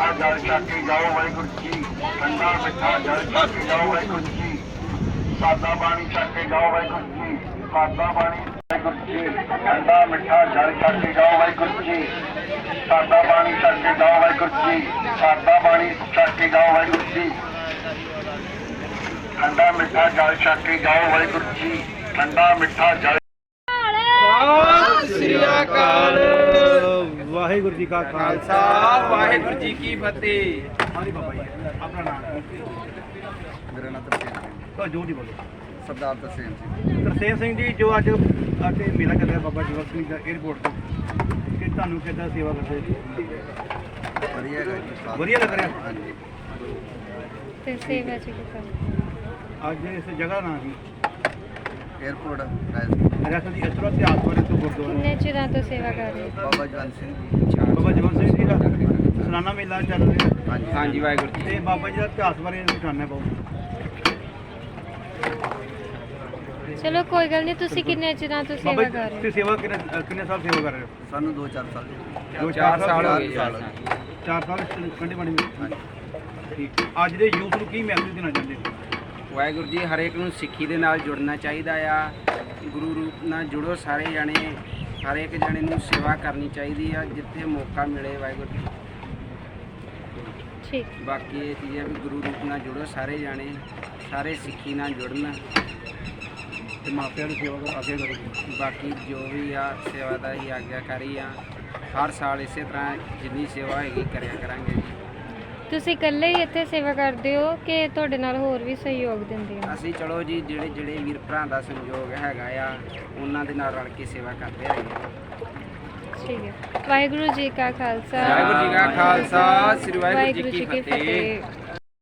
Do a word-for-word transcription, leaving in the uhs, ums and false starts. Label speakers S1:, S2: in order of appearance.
S1: ਮਿੱਠਾ ਜਲ ਛਕ ਕੇ ਜਾਓ ਵਾਹਿਗੁਰੂ ਜੀ ਠੰਡਾ ਮਿੱਠਾ ਜਲ ਛਕ ਕੇ ਜਾਓ ਵਾਹਿਗੁਰੂ ਜੀ ਸਾਦਾ ਪਾਣੀ ਛਕ ਕੇ ਜਾਓ ਵਾਹਿਗੁਰੂ ਜੀ ਸਾਦਾ ਪਾਣੀ ਵਾਹਿਗੁਰੂ ਜੀ ਠੰਡਾ ਮਿੱਠਾ ਜਲ ਛਕ ਕੇ ਜਾਓ ਵਾਹਿਗੁਰੂ ਜੀ ਸਾਦਾ ਪਾਣੀ ਛਕ ਕੇ ਜਾਓ ਵਾਹਿਗੁਰੂ ਜੀ ਸਾਦਾ ਪਾਣੀ ਛਕ ਕੇ ਜਾਓ ਵਾਹਿਗੁਰੂ ਜੀ ਠੰਡਾ ਮਿੱਠਾ ਜਲ ਛਕ ਕੇ ਜਾਓ ਵਾਹਿਗੁਰੂ ਜੀ ਠੰਡਾ ਮਿੱਠਾ ਜਲ
S2: ਸਤਿ ਸ੍ਰੀ ਅਕਾਲ।
S3: ਵਾਹਿਗੁਰੂ ਜੀ ਕਾ
S2: ਖਾਲਸਾ ਵਾਹਿਗੁਰੂ ਜੀ ਕੀ ਫਤਿਹ।
S3: ਹਾਂਜੀ ਬਾਬਾ ਜੀ ਆਪਣਾ ਨਾਮ
S4: ਮੇਰਾ ਨਾਮ ਤਰਸੇਮ ਸਿੰਘ
S3: ਤਾਂ ਜੋ ਨਹੀਂ ਬੋਲੋ
S4: ਸਰਦਾਰ ਤਰਸੇਮ ਸਿੰਘ
S3: ਤਰਸੇਮ ਸਿੰਘ ਜੀ ਜੋ ਅੱਜ ਅਤੇ ਮੇਲਾ ਚੱਲ ਰਿਹਾ ਬਾਬਾ ਜੀਵਨ ਸਿੰਘ ਦਾ 에ਅਰਪੋਰਟ ਤੋਂ ਕਿ ਤੁਹਾਨੂੰ ਕਿੱਦਾਂ ਸੇਵਾ ਕਰਦੇ ਜੀ
S4: ਵਧੀਆ ਹੈਗਾ ਜੀ ਸਾਥ।
S3: ਵਧੀਆ ਲੱਗ ਰਿਹਾ
S4: ਹਾਂਜੀ
S5: ਤੇ ਸੇਵਾ ਚ ਕੀ ਕਰ
S3: ਅੱਜ ਇਸ ਜਗ੍ਹਾ ਦਾ ਨਾਮ ਜੀ
S4: 에ਅਰਪੋਰਟ ਰਾਜ
S3: ਰਿਆਸਤ ਦੀ ਇਤਰਾ ਇਤਿਹਾਸ ਬਾਰੇ ਤੋਂ ਗੁਰਦੁਆਰਾ
S5: ਕਿੰਨੇ ਚਿਰਾਂ ਤੋਂ ਸੇਵਾ ਕਰ ਰਹੇ ਹੋ?
S4: ਬਾਬਾ ਜਵੰਤ ਸਿੰਘ ਜੀ
S3: ਬਾਬਾ ਜੀਵਨ ਸਿੰਘ ਜੀ ਦਾ ਸਲਾਨਾ ਮੇਲਾ ਚੱਲ ਰਿਹਾ
S4: ਹਾਂਜੀ
S2: ਹਾਂਜੀ ਵਾਹਿਗੁਰੂ ਜੀ।
S3: ਤੇ ਬਾਬਾ ਜੀ ਦਾ ਇਤਿਹਾਸ ਬਾਰੇ ਜਾਣਨਾ ਬਹੁਤ
S5: ਚਲੋ ਕੋਈ ਗੱਲ ਨਹੀਂ। ਤੁਸੀਂ ਕਿੰਨੇ ਚਿਰਾਂ ਤੋਂ
S3: ਬਾਬਾ
S5: ਸੇਵਾ
S3: ਜੀ
S5: ਕਰ ਰਹੇ
S3: ਤੁਸੀਂ ਸੇਵਾ ਕਿੰਨੇ ਕਿੰਨੇ ਸਾਲ ਸੇਵਾ ਕਰ ਰਹੇ ਹੋ
S4: ਸਾਨੂੰ ਦੋ ਚਾਰ ਸਾਲ
S3: ਦੋ
S2: ਚਾਰ ਸਾਲ ਹੋ ਗਏ ਜੀ।
S4: ਸਾਲ
S3: ਚਾਰ ਸਾਲ ਕੰਢੇ ਬਣੀ ਠੀਕ ਅੱਜ ਦੇ ਯੂਥ ਨੂੰ ਕੀ ਮੈਸੇਜ ਦੇਣਾ ਚਾਹੁੰਦੇ ਹੋ
S2: ਵਾਹਿਗੁਰੂ ਜੀ ਹਰੇਕ ਨੂੰ ਸਿੱਖੀ ਦੇ ਨਾਲ ਜੁੜਨਾ ਚਾਹੀਦਾ ਆ। ਗੁਰੂ ਰੂਪ ਨਾਲ ਜੁੜੋ ਸਾਰੇ ਜਾਣੇ। ਹਰੇਕ ਜਾਣੇ ਨੂੰ ਸੇਵਾ ਕਰਨੀ ਚਾਹੀਦੀ ਆ ਜਿੱਥੇ ਮੌਕਾ ਮਿਲੇ ਵਾਹਿਗੁਰੂ ਜੀ।
S5: ਠੀਕ
S2: ਬਾਕੀ ਇਹ ਚੀਜ਼ ਹੈ ਵੀ ਗੁਰੂ ਰੂਪ ਨਾਲ ਜੁੜੋ ਸਾਰੇ ਜਾਣੇ। ਸਾਰੇ ਸਿੱਖੀ ਨਾਲ ਜੁੜਨ।
S3: ਤੇ ਮਾਪਿਆਂ ਨੂੰ ਸੇਵਾ ਕਰ ਅੱਗੇ ਕਰੋ
S2: ਬਾਕੀ ਜੋ ਵੀ ਆ ਸੇਵਾ ਦਾ ਹੀ ਆਗਿਆਕਾਰੀ ਆ। ਹਰ ਸਾਲ ਇਸੇ ਤਰ੍ਹਾਂ ਜਿੰਨੀ ਸੇਵਾ ਹੋਏਗੀ ਕਰਿਆ ਕਰਾਂਗੇ ਜੀ।
S5: ਤੁਸੀਂ ਇਕੱਲੇ ਹੀ ਇੱਥੇ ਸੇਵਾ ਕਰਦੇ ਹੋ ਕਿ ਤੁਹਾਡੇ ਨਾਲ ਹੋਰ ਵੀ ਸਹਿਯੋਗ ਦਿੰਦੇ ਹੋ?
S2: ਅਸੀਂ ਚਲੋ ਜੀ ਜਿਹੜੇ ਜਿਹੜੇ ਵੀਰ ਭਰਾ ਦਾ ਸਹਿਯੋਗ ਹੈਗਾ ਆ ਉਹਨਾਂ ਦੇ ਨਾਲ ਰਲ ਕੇ ਸੇਵਾ ਕਰਦੇ ਰਹੀਏ।
S5: ਠੀਕ ਹੈ। ਵਾਹਿਗੁਰੂ ਜੀ ਕਾ ਖਾਲਸਾ
S2: ਵਾਹਿਗੁਰੂ ਜੀ ਕਾ ਖਾਲਸਾ ਸ੍ਰੀ ਵਾਹਿਗੁਰੂ
S5: ਵਾਹਿਗੁਰੂ
S2: ਜੀ ਕੀ ਫਤਿਹ।
S5: ਫਤਿਹ।